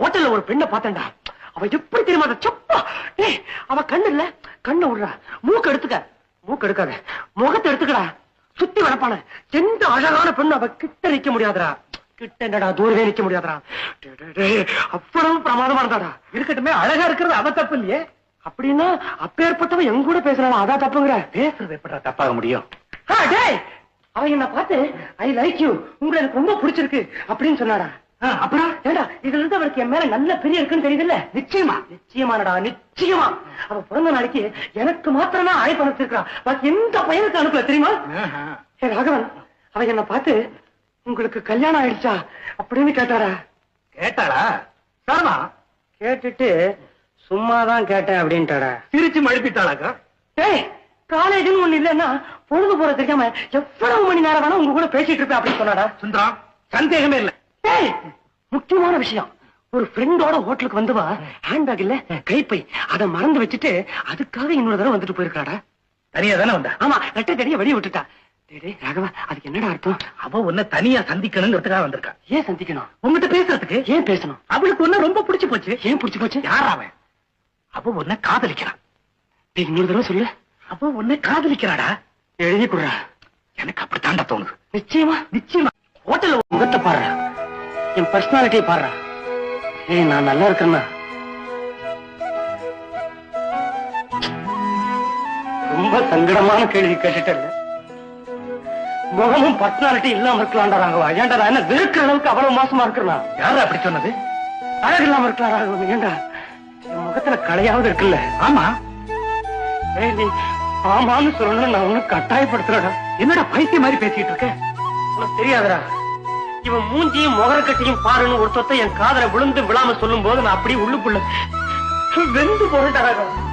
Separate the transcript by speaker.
Speaker 1: ஹோட்டல்ல ஒரு பெண்ணை பார்த்தேன்டா. அவ எப்படி தெரியுமா சப்பா. அவ கண்ணு இல்ல, கண்ணை விடுறா. மூக்கு எடுத்துக்க, மூக்கு எடுக்காத, முகத்தை எடுத்துக்கடா. சுத்தி வளர்ப்பான எந்த அழகான பெண்ணு அவ கிட்ட நிக்க முடியாதுடா. கிட்ட என்னடா தூரவே நிக்க முடியாதுடா. அவ்வளவு பிரமாதமா இருந்தாடா. இருக்கட்டுமே, அழகா இருக்கிறது அவ தப்பு இல்லையே. அப்படின்னா அப்பேற்பட்டவன் எங்க கூட பேசுறான், அதான் தப்புங்கிற? பேசுறது எப்படா தப்பாக முடியும்? அவ என்ன பார்த்து ஐ லைக் யூ, உங்களை எனக்கு ரொம்ப பிடிச்சிருக்கு அப்படின்னு சொன்னாடா. அப்புறம் ஏடா இதுல இருந்து அவளுக்கு என் மேல நல்ல பெரிய இருக்குன்னு தெரியுதுல்ல? நிச்சயமா, நிச்சயமானடா, நிச்சயமா. அவ பிறந்த நாளைக்கு எனக்கு மாத்திரம் தான் அழைப்பு அனுப்பிச்சிருக்கா, பாக்கி எந்த பையனுக்கு அனுப்பல தெரியுமா? ராகவன் அவ என்ன பார்த்து உங்களுக்கு கல்யாணம் ஆயிடுச்சா அப்படின்னு கேட்டாரா? கேட்டாளா? சாரமா கேட்டுட்டு சும்மாதான் கேட்டேன் அப்படின்ட்டாடா. சிரிச்சு மழுப்பிட்டாளாக்கா? காலேஜ்னு ஒண்ணு இல்லன்னா பொழுது போற தெரியாம எவ்வளவு மணி நேரம் வேணா உங்க கூட பேசிட்டு இருப்பேன் அப்படின்னு சொன்னாடா. சுந்தரம், சந்தேகமே இல்ல. முக்கியமான விஷயம், ஒரு ஃப்ரெண்டோட ஹோட்டலுக்கு வந்துவா ஹேண்ட்பேக் இல்ல கைப்பை, அதை மறந்து வச்சுட்டு அதுக்காக இன்னொரு தடவை வந்துட்டு போயிருக்காடா. தனியா தானே வந்தா? ஆமா, ரெட்டை தனியா வெளியே விட்டுட்டா. ராகவா, அதுக்கு என்னடா அர்த்தம்? அவ உன்னை தனியா சந்திக்கணுங்கிறதுக்காக வந்திருக்கா. ஏன் சந்திக்கணும்? உங்ககிட்ட பேசுறதுக்கு. ஏன் பேசணும்? அவளுக்கு ஒண்ணு ரொம்ப பிடிச்சு போச்சு. ஏன் பிடிச்சு போச்சு? யார் அவன்? அவ உன்னை காதலிக்கிறான். இன்னொரு தடவை சொல்லு. அவ உன்னை காதலிக்கிறாடா. எழுதி கொடுறா. எனக்கு அப்படித்தாண்டா தோணுது. நிச்சயமா, நிச்சயமா. ஹோட்டல்ல முகத்தை பாடுறா, என் பர்சனாலிட்டியை பாடுறா. நான் நல்லா இருக்கேன்னா? ரொம்ப சங்கடமான கேள்வி கேட்டுட்டேன். முகமும் பர்சனாலிட்டி இல்லாம இருக்கலாம்டா ராகவா. ஏன்டா நான் என்ன வெறுக்கிற அளவுக்கு அவ்வளவு மோசமா இருக்கிறனா? யாரு அப்படி சொன்னது? அழகு இல்லாம இருக்கலாம் ராகவா. ஏன்டா என் முகத்துல கலையாவது இருக்குல்ல? ஆமா. நீ ஆமான்னு சொல்லணும், நான் ஒண்ணு கட்டாயப்படுத்துறடா. என்னடா பைத்திய மாதிரி பேசிட்டு இருக்க? உனக்கு தெரியாதடா, இவன் மூஞ்சியும் முகரக்கட்டையும் பாருன்னு ஒரு சொத்தை என் காதல விழுந்து விழாம சொல்லும் போது நான் அப்படியே உள்ளுக்குள்ள வெந்து போறேன்டா ராகவா.